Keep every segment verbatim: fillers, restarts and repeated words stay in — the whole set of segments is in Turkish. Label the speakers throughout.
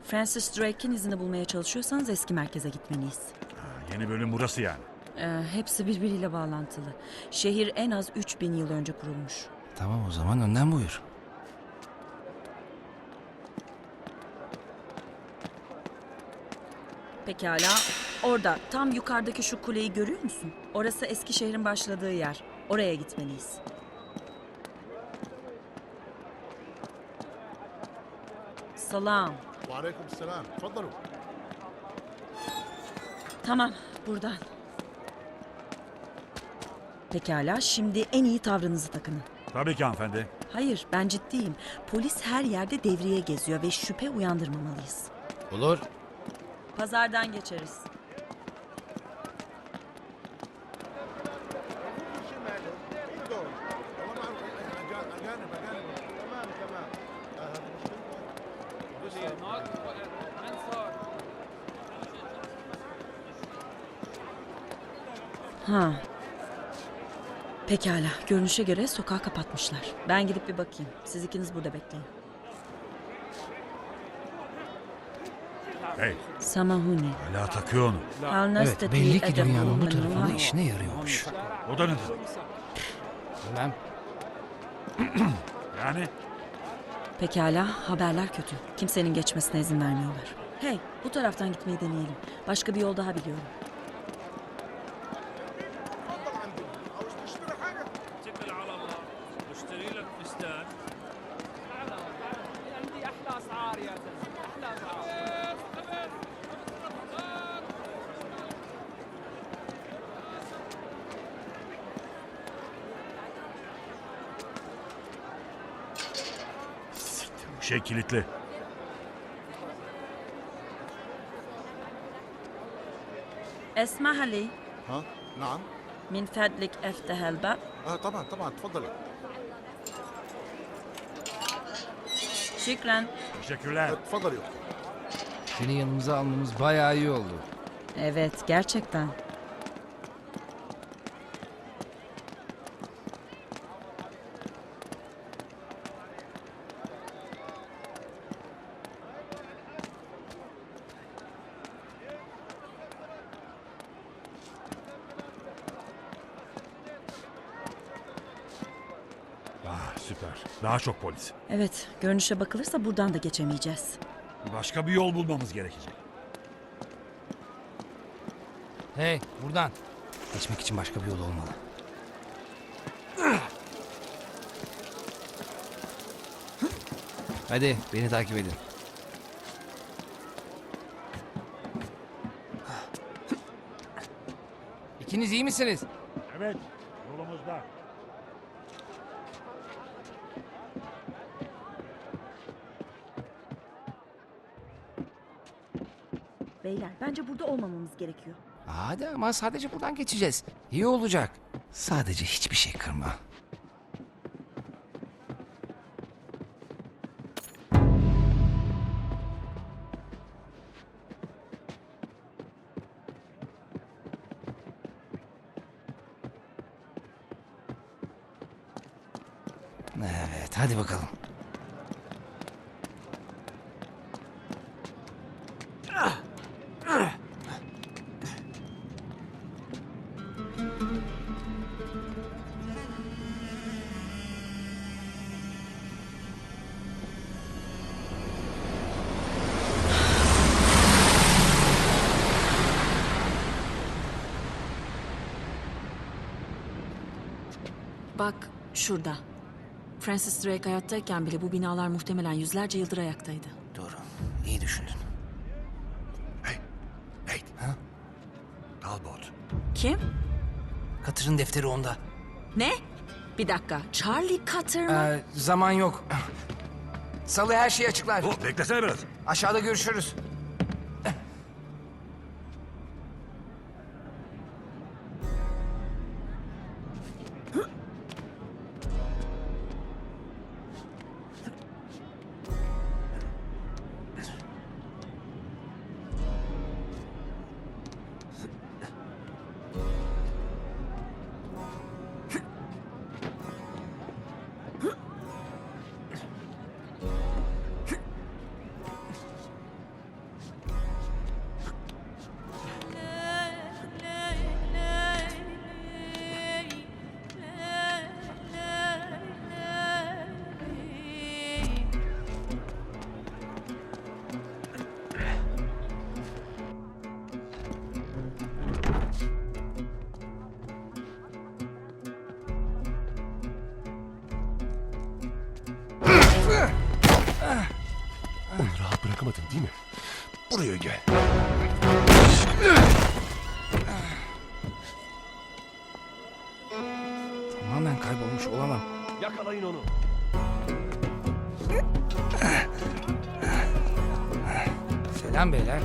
Speaker 1: Francis Drake'in izini bulmaya çalışıyorsanız eski merkeze gitmeliyiz.
Speaker 2: Ha, yeni bölüm burası yani.
Speaker 1: Ee, hepsi birbiriyle bağlantılı. Şehir en az üç bin yıl önce kurulmuş.
Speaker 3: Tamam o zaman önden buyur.
Speaker 1: Pekala. Orada, tam yukarıdaki şu kuleyi görüyor musun? Orası eski şehrin başladığı yer. Oraya gitmeliyiz. Salam.
Speaker 4: وعليكم السلام تفضلوا.
Speaker 1: Tamam, buradan. Pekala, şimdi en iyi tavrınızı takının.
Speaker 2: Tabii ki hanımefendi.
Speaker 1: Hayır, ben ciddiyim. Polis her yerde devriye geziyor ve şüphe uyandırmamalıyız.
Speaker 3: Olur.
Speaker 1: Pazardan geçeriz.
Speaker 4: شمال دول والله ما اعرف اجانب اجانب تمام تمام هذه مشكلة.
Speaker 1: Ha. Pekala, görünüşe göre sokağı kapatmışlar. Ben gidip bir bakayım. Siz ikiniz burada bekleyin.
Speaker 2: Hey,
Speaker 1: Samahuni.
Speaker 2: hala takıyor onu.
Speaker 3: Evet belli ki dünyanın bu tarafında işine yarıyormuş.
Speaker 2: O da nedir?
Speaker 3: Bilmem.
Speaker 2: Yani?
Speaker 1: Pekala, haberler kötü. Kimsenin geçmesine izin vermiyorlar. Hey, bu taraftan gitmeyi deneyelim. Başka bir yol daha biliyorum.
Speaker 4: تفضل عندي عاوز تشتري حاجة؟
Speaker 5: اتكل على الله واشتري لك فستان. عندي احلى اسعار يا زلمه، احلى اسعار.
Speaker 2: Bu şey kilitli.
Speaker 1: اسمح لي
Speaker 4: ها نعم
Speaker 1: من فضلك افتح الباب.
Speaker 4: اه طبعا طبعا تفضلي.
Speaker 1: Şükran.
Speaker 2: Teşekkürler.
Speaker 4: تفضلي اختي.
Speaker 3: Seni yanımıza almamız bayağı iyi oldu.
Speaker 1: Evet, gerçekten.
Speaker 2: Ah, süper. Daha çok polis.
Speaker 1: Evet, görünüşe bakılırsa buradan da geçemeyeceğiz.
Speaker 2: Başka bir yol bulmamız gerekecek.
Speaker 3: Hey buradan. Geçmek için başka bir yol olmalı. Hadi beni takip edin. İkiniz iyi misiniz?
Speaker 2: Evet, yolumuzda.
Speaker 1: Beyler, bence burada olmamamız gerekiyor.
Speaker 3: Hadi ama sadece buradan geçeceğiz. İyi olacak. Sadece hiçbir şey kırma. Evet, hadi bakalım.
Speaker 1: Bak, şurada. Francis Drake hayattayken bile bu binalar muhtemelen yüzlerce yıldır ayaktaydı.
Speaker 3: Doğru, iyi düşündün.
Speaker 2: Hey, hey.
Speaker 3: Ha?
Speaker 2: Talbot.
Speaker 1: Kim?
Speaker 3: Katır'ın defteri onda.
Speaker 1: Ne? Bir dakika, Charlie Cutter mı?
Speaker 3: Ee, zaman yok. Salı her şeyi açıklar.
Speaker 2: Oh, beklesene biraz.
Speaker 3: Aşağıda görüşürüz.
Speaker 6: Onu rahat bırakamadın değil mi? Buraya gel.
Speaker 3: Tamamen kaybolmuş olamam.
Speaker 6: Yakalayın onu.
Speaker 3: Selam beyler.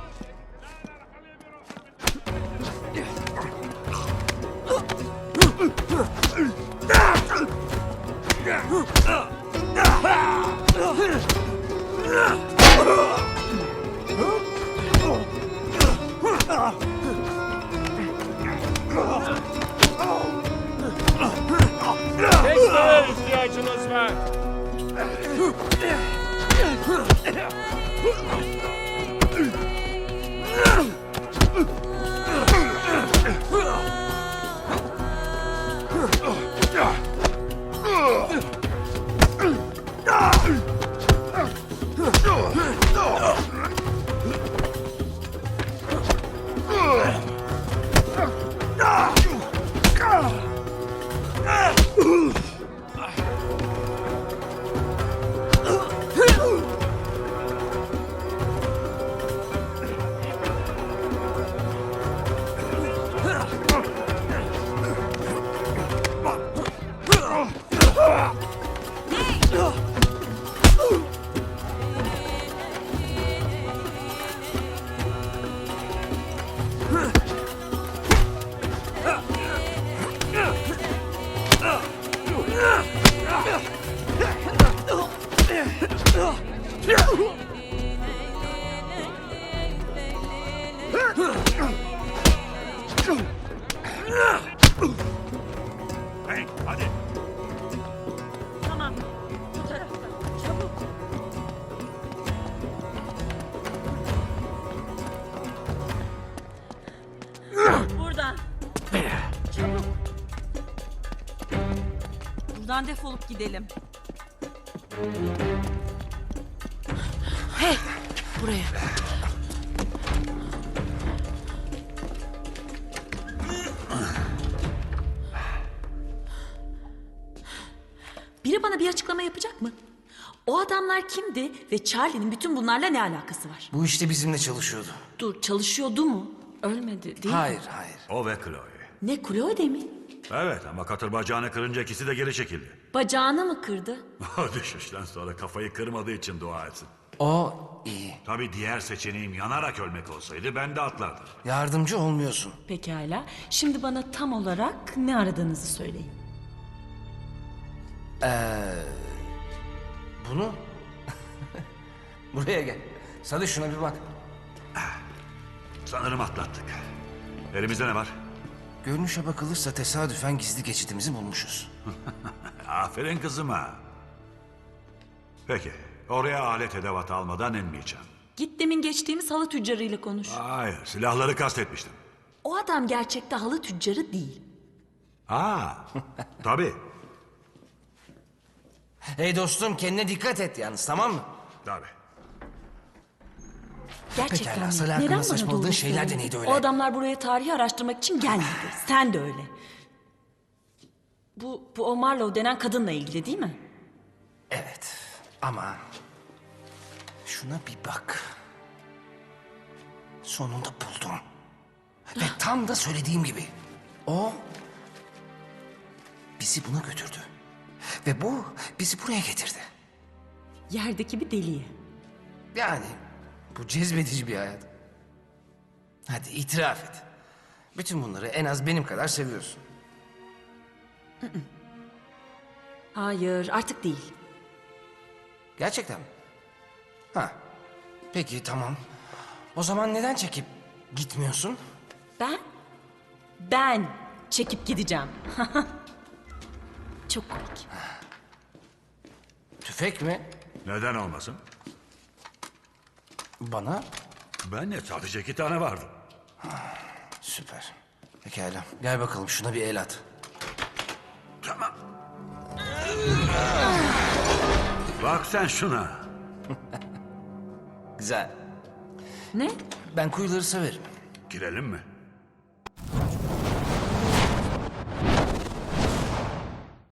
Speaker 5: Desteğe ihtiyacınız var.
Speaker 2: Hey, hadi.
Speaker 1: Tamam. Bu taraftan. Çabuk. Buradan. Çabuk. Buradan defolup gidelim. Hey! Buraya. Biri bana bir açıklama yapacak mı? O adamlar kimdi ve Charlie'nin bütün bunlarla ne alakası var?
Speaker 3: Bu işte bizimle çalışıyordu.
Speaker 1: Dur, çalışıyordu mu? Ölmedi değil mi?
Speaker 3: Hayır, hayır.
Speaker 2: O ve Chloe.
Speaker 1: Ne, Chloe mi?
Speaker 2: Evet ama katır bacağını kırınca ikisi de geri çekildi.
Speaker 1: Bacağını mı kırdı?
Speaker 2: O düşüşten sonra kafayı kırmadığı için dua etsin.
Speaker 3: O iyi.
Speaker 2: Tabii diğer seçeneğim yanarak ölmek olsaydı ben de atlardım.
Speaker 3: Yardımcı olmuyorsun.
Speaker 1: Pekala. Şimdi bana tam olarak ne aradığınızı söyleyin.
Speaker 3: Bunu... Buraya gel. Sadece şuna bir bak.
Speaker 2: Sanırım atlattık. Elimizde ne var?
Speaker 3: Görünüşe bakılırsa tesadüfen gizli geçitimizi bulmuşuz.
Speaker 2: Aferin kızıma. Peki, oraya alet edevat almadan inmeyeceğim.
Speaker 1: Git demin geçtiğimiz halı tüccarıyla konuş.
Speaker 2: Hayır, silahları kastetmiştim.
Speaker 1: O adam gerçekte halı tüccarı değil.
Speaker 2: Aa, tabii,
Speaker 3: Hey dostum, kendine dikkat et yalnız, tamam mı?
Speaker 2: tabii.
Speaker 1: Gerçekten
Speaker 3: Pekala,
Speaker 1: mi?
Speaker 3: Salih hakkında
Speaker 1: Neden bana
Speaker 3: saçmaladığın
Speaker 1: doğru
Speaker 3: şeyler de
Speaker 1: söyledin?
Speaker 3: neydi öyle?
Speaker 1: O adamlar buraya tarihi araştırmak için gelmedi. Sen de öyle. Bu, bu o Marlowe denen kadınla ilgili değil mi?
Speaker 3: Evet, ama... Şuna bir bak. Sonunda buldum. Ve tam da söylediğim gibi. O... bizi buna götürdü. Ve bu bizi buraya getirdi.
Speaker 1: Yerdeki bir deliye.
Speaker 3: Yani bu cezbedici bir hayat. Hadi itiraf et. Bütün bunları en az benim kadar seviyorsun.
Speaker 1: Hayır, artık değil.
Speaker 3: Gerçekten mi? Ha. Peki tamam. O zaman neden çekip gitmiyorsun?
Speaker 1: Ben, ben çekip gideceğim. Çok komik.
Speaker 3: Tüfek mi?
Speaker 2: Neden olmasın?
Speaker 3: Bana?
Speaker 2: Ben de sadece iki tane vardı.
Speaker 3: Süper. Pekala. Gel bakalım şuna bir el at.
Speaker 2: Tamam. Bak sen şuna.
Speaker 3: Güzel.
Speaker 1: Ne?
Speaker 3: Ben kuyuları severim.
Speaker 2: Girelim mi?